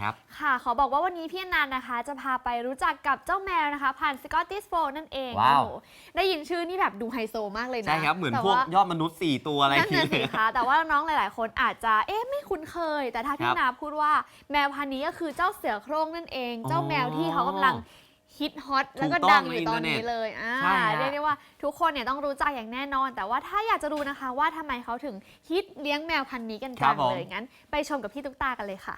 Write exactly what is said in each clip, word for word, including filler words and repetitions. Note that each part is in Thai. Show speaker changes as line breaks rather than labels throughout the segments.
ครับ
ค่ะขอบอกว่าวันนี้พี่อนันต์นะคะจะพาไปรู้จักกับเจ้าแมวนะคะผ่านสกอตติชโฟลด์นั่นเอง
ว้าว
โอ้โหได้ยินชื่อนี่แบบดูไฮโซมากเลยนะ
ใช่ครับเหมือน
แต่
พวก
ว่าย
อดมนุษย์สี่ตัวอะไร
นั่น
อย่าง
น่ะสิ
เงี้ย
คะแต่ว่าน้องหลายๆ คนอาจจะเอ๊ะไม่คุ้นเคย แต่ถ้าพี่
ครับ
นาพูดว่าแมวพันธุ์นี้ก็คือเจ้าเสือโคร่งนั่นเอง
อ๋อ
เจ้าแมวที่เขากำลังฮิตฮอตแล้วก็
ถูกต้อง
ดังอยู่ตอน
ในอินเทอร์เน็ต
นี้เลยอ่า
ใช่ฮะ
เรียกได้ว่าทุกคนเนี่ยต้องรู้จักอย่างแน่นอน แต่ว่าถ้าอยากจะรู้นะคะว่าทำไมเขาถึงฮิตเลี้ยงแมวพันธุ์นี้กันจังเลยงั้นไปชมกับพี่ตุ๊กตากันเลยค่ะ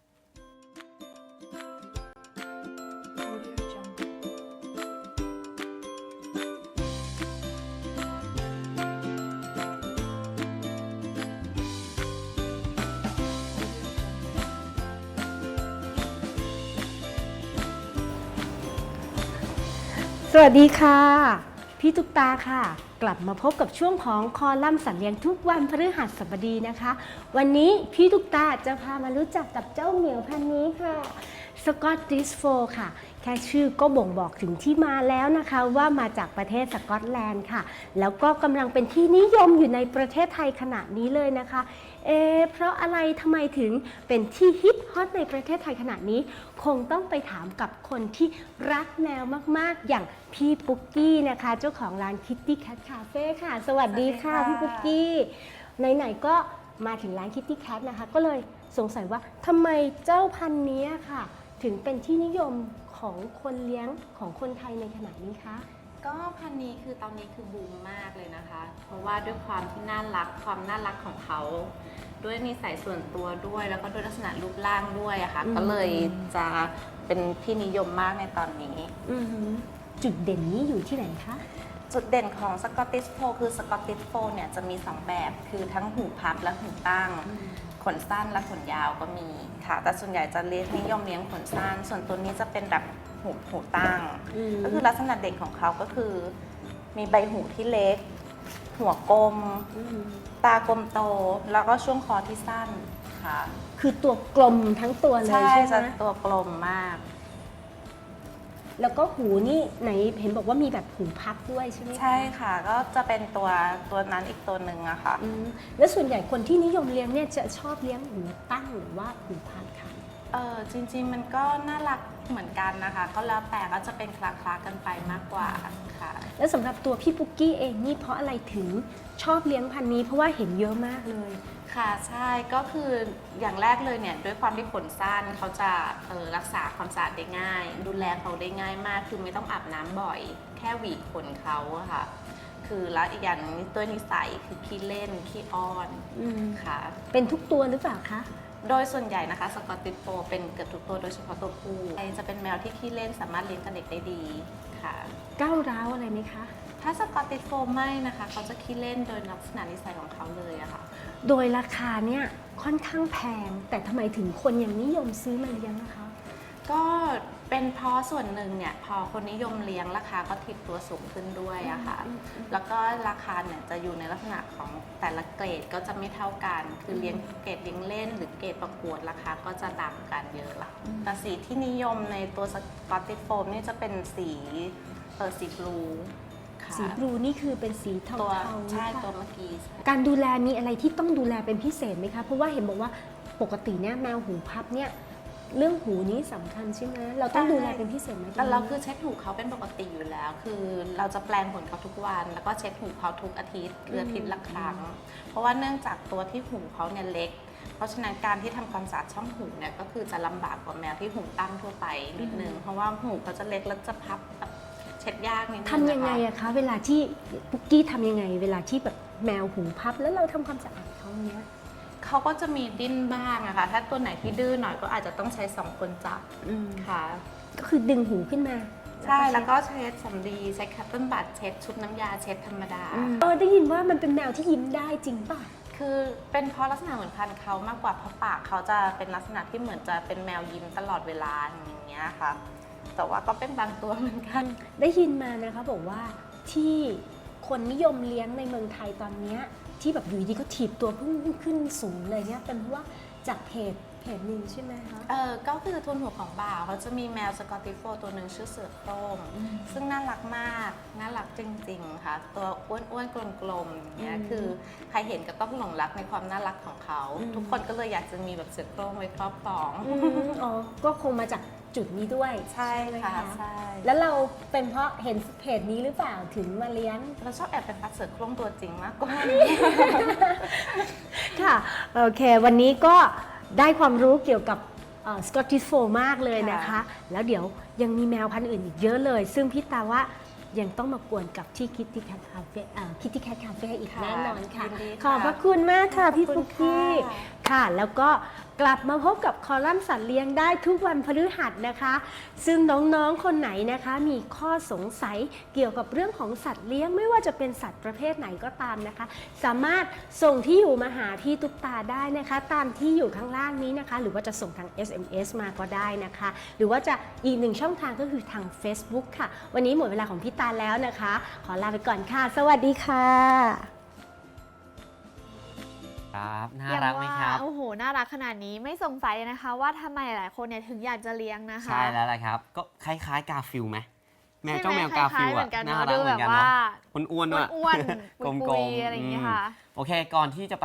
สวัสดีค่ะ พี่ตุ๊กตาค่ะ กลับมาพบกับช่วงของคอลัมน์สัตว์เลี้ยงทุกวันพฤหัสบดีนะคะ วันนี้พี่ตุ๊กตาจะพามารู้จักกับเจ้าเหมียวพันธุ์นี้ค่ะสกอตติชโฟลด์ค่ะ แค่ชื่อก็บ่งบอกถึงที่มาแล้วนะคะ ว่ามาจากประเทศสกอตแลนด์ค่ะ แล้วก็กำลังเป็นที่นิยมอยู่ในประเทศไทยขณะนี้เลยนะคะ เอ๊ะเพราะอะไรทำไมถึงเป็นที่ฮิตฮอตในประเทศไทยขณะนี้ คงต้องไปถามกับคนที่รักแมวมากๆ อย่างพี่ปุ๊กกี้นะคะ เจ้าของร้าน Kitty Cat Cafe ค่ะ สวัสดีค่ะ
สวัสดีค่ะ
พี่ปุ๊กกี้ ไหนๆก็มาถึงร้าน Kitty Cat นะคะ ก็เลยสงสัยว่าทำไมเจ้าพันธุ์นี้ค่ะ ถึงเป็นที่นิยมของคนเลี้ยงของคนไทยในขณะนี้คะ
ก็พันธุ์นี้คือตอนนี้คือบูมมากเลยนะคะ เพราะว่าด้วยความที่น่ารักความน่ารักของเขา ด้วยนิสัยส่วนตัวด้วยแล้วก็ด้วยลักษณะรูปร่างด้วยอะค่ะ
อืม
ก็เลยจะเป็นที่นิยมมากในตอนนี้
อือหือจุดเด่นนี้อยู่ที่ไหนคะ
จุดเด่นของสกอตติชโฟลด์คือสกอตติชโฟลด์เนี่ยจะมีสองแบบ คือทั้งหูพับและหูตั้ง ขนสั้นและขนยาวก็มีค่ะ แต่ส่วนใหญ่จะเลี้ยงนิยมเลี้ยงขนสั้น ส่วนตัวนี้จะเป็นแบบหูหูตั้ง
อืม
ก็คือลักษณะเด่นของเขาก็คือ มีใบหูที่เล็ก หัวกลม
อืม
ตากลมโต แล้วก็ช่วงคอที่สั้นค่ะ
คือตัวกลมทั้งตัวเลย
ใช่
ใช่
จะ
ไหม
ตัวกลมมาก
แล้วก็หูนี่ไหนเห็นบอกว่ามีแบบหูพับด้วยใช่ไหมคะ
ใช่ค่ะ ก็จะเป็นตัวตัวนั้นอีกตัวหนึ่งอะค่ะ
อืมแล้วส่วนใหญ่คนที่นิยมเลี้ยงเนี่ยจะชอบเลี้ยงหูตั้งหรือว่าหูพับค่ะ
เออจริงๆมันก็น่ารักเหมือนกันนะคะ ก็แล้วแต่ก็จะเป็นคลาคลากันไปมากกว่าค่ะ
แล้วสำหรับตัวพี่ปุ๊กกี้เองนี่เพราะอะไรถึงชอบเลี้ยงพันธุ์นี้เพราะว่าเห็นเยอะมากเลย
ค่ะใช่ก็คืออย่างแรกเลยเนี่ยด้วยความที่ขนสั้นเขาจะเออรักษาความสะอาดได้ง่าย ดูแลเขาได้ง่ายมากคือไม่ต้องอาบน้ำบ่อย แค่หวีขนเขาอะค่ะ คือแล้วอีกอย่างหนึงตัวนิสัยคือขี้เล่นขี้อ้อน
อืม
ค่ะ
เป็นทุกตัวหรือเปล่าคะ
โดยส่วนใหญ่นะคะสกอตติชโฟลด์เป็นเกือบทุกตัวโดยเฉพาะตัวผู้จะเป็นแมวที่ขี้เล่นสามารถเลี้ยงกับเด็กได้ดีค่ะ
ก้าวร้าวอะไรไหมคะ
ถ้าสกอตติชโฟลด์ไม่นะคะเขาจะขี้เล่นโดยลักษณะนิสัยของเขาเลยอะค่ะ
โดยราคาเนี่ยค่อนข้างแพง แต่ทำไมถึงคนยังนิยมซื้อมาเลี้ยงนะคะ
ก็เป็นเพราะส่วนหนึ่งเนี่ยพอคนนิยมเลี้ยงราคาก็ทิดตัวสูงขึ้นด้วยอะค่ะ
อืมอืม
แล้วก็ราคาเนี่ยจะอยู่ในลักษณะของแต่ละเกรดก็จะไม่เท่ากัน คือเลี้ยงเกรดเลี้ยงเล่น หรือเกรดประกวดราคาก็จะต่างกันเยอะละแต่สีที่นิยมในตัวสกอตติชโฟลด์นี่จะเป็นสีเออสีบลูค่ะ
สีบลูนี่คือเป็นสีเทา
ตัว
ๆ
ใช่
หรือเปล่า
ตัวเมื่อกี้ใช่
การดูแลมีอะไรที่ต้องดูแลเป็นพิเศษไหมคะ เพราะว่าเห็นบอกว่าปกติเนี่ยแมวหูพับเนี่ยเรื่องหูนี้สำคัญใช่ไหมเราต้องดูแลเป็นพิเศษไหม
แต่เราคือเช็ดหูเขาเป็นปกติอยู่แล้ว คือเราจะแปลงขนเขาทุกวัน แล้วก็เช็ดหูเขาทุกอาทิตย์หรืออาทิตย์ละครั้ง เพราะว่าเนื่องจากตัวที่หูเขาเนี่ยเล็ก เพราะฉะนั้นการที่ทำความสะอาดช่องหูเนี่ยก็คือจะลำบากกว่าแมวที่หูตั้งทั่วไปนิดนึง เพราะว่าหูเขาจะเล็กแล้วจะพับแบบเช็ดยากนิดนึง
ทำยังไง
นะคะ
อะคะ เวลาที่ปุ๊กกี้ทำยังไง เวลาที่แบบแมวหูพับแล้วเราทำความสะอาดเขาเนี้ย
เขาก็จะมีดิ้นบ้างอะค่ะ ถ้าตัวไหนที่ดื้อหน่อยก็อาจจะต้องใช้สองคนจับ
อืม
ค่ะ
ก็คือดึงหูขึ้นมา
ใช่ แล้วก็เช็ดสำลีใช้คัตเติ้ลบัตเช็ดชุบน้ำยาเช็ดธรรมดา
อืมเออได้ยินว่ามันเป็นแมวที่ยิ้มได้จริงป่ะ
คือเป็นเพราะลักษณะเหมือนพันธุ์เขามากกว่าเพราะปากเขาจะเป็นลักษณะที่เหมือนจะเป็นแมวยิ้มตลอดเวลาอย่างเงี้ยค่ะ แต่ว่าก็เป็นบางตัวเหมือนกัน
ได้ยินมานะคะบอกว่าที่คนนิยมเลี้ยงในเมืองไทยตอนเนี้ยที่แบบอยู่ดีก็ถีบตัวพุ่งขึ้นสูงเลยเนี่ยเป็นเพราะว่าจากเพจเพจหนึ่งใช่ไหมคะ
เออก็คือทุนหัวของบ่าวเขาจะมีแมวสกอตติชโฟลด์ตัวหนึ่งชื่อเสือโคร่งซึ่งน่ารักมากน่ารักจริงๆค่ะตัวอ้วนๆกลมๆอย่างเงี้ย
อืม
คือใครเห็นก็ต้องหลงรักในความน่ารักของเขา
อืม
ทุกคนก็เลยอยากจะมีแบบเสือโคร่งไว้ครอบครอง
อืมอ๋อ ก็คงมาจากจุดนี้ด้วย
ใช่
ไหม
ค่ะ
คะ
ใช่
แล้วเราเป็นเพราะเห็นเพจนี้หรือเปล่าถึงมาเลี้ยง
เราชอบแอบเป็นปัดเสือโคร่งตัวจริงมากกว่า
ค่ะ โอเค วันนี้ก็ได้ความรู้เกี่ยวกับสกอตติชโฟลด์มากเลยนะคะ
ค่ะ
แล้วเดี๋ยวยังมีแมวพันธุ์อื่นอีกเยอะเลย ซึ่งพี่ตาว่ายังต้องมากวนกับที่ Kitty Cat Cafe เอ่อ Kitty Cat Cafe อีกแน่นอนค่ะ
ยินดี
ขอบพระคุณมากค่ะ พี่
ขอบคุ
ฟุ
ณ
กกี้
ค่ะ
ค่ะ แล้วก็กลับมาพบกับคอลัมน์สัตว์เลี้ยงได้ทุกวันพฤหัสนะคะ ซึ่งน้องๆ คนไหนนะคะ มีข้อสงสัยเกี่ยวกับเรื่องของสัตว์เลี้ยงไม่ว่าจะเป็นสัตว์ประเภทไหนก็ตามนะคะ สามารถส่งที่อยู่มาหาพี่ตุ๊กตาได้นะคะ ตามที่อยู่ข้างล่างนี้นะคะ หรือว่าจะส่งทาง เอส เอ็ม เอส มาก็ได้นะคะ หรือว่าจะอีกหนึ่งช่องทางก็คือทาง Facebook ค่ะ วันนี้หมดเวลาของพี่ตาแล้วนะคะ ขอลาไปก่อนค่ะ สวัสดีค่ะ
ครับน่ารักไหมครับ
โอ้โห น่ารักขนาดนี้ไม่สงสัยเลยนะคะ ว่าทำไมหลายคนเนี่ยถึงอยากจะเลี้ยงนะคะ
ใช่แล้วล่ะครับ ก็คล้ายๆกาฟิลไหมแมว
ใช่ไห
เจ้าแมวกา
คล้
ฟิ
ย
ล
ๆเหมื
อะ
อนกัน
น่า
เนาะ
รั
ดู
กเห
แบ
มือบ นกัน
ว่า
เนาะอ้วนๆด้วย
อ้วนๆ
กล
ปุ
ม
ย
ๆ
ๆอะไรอย่างเงี้ย
ม
ค่ะ
โอเคก่อนที่จะไป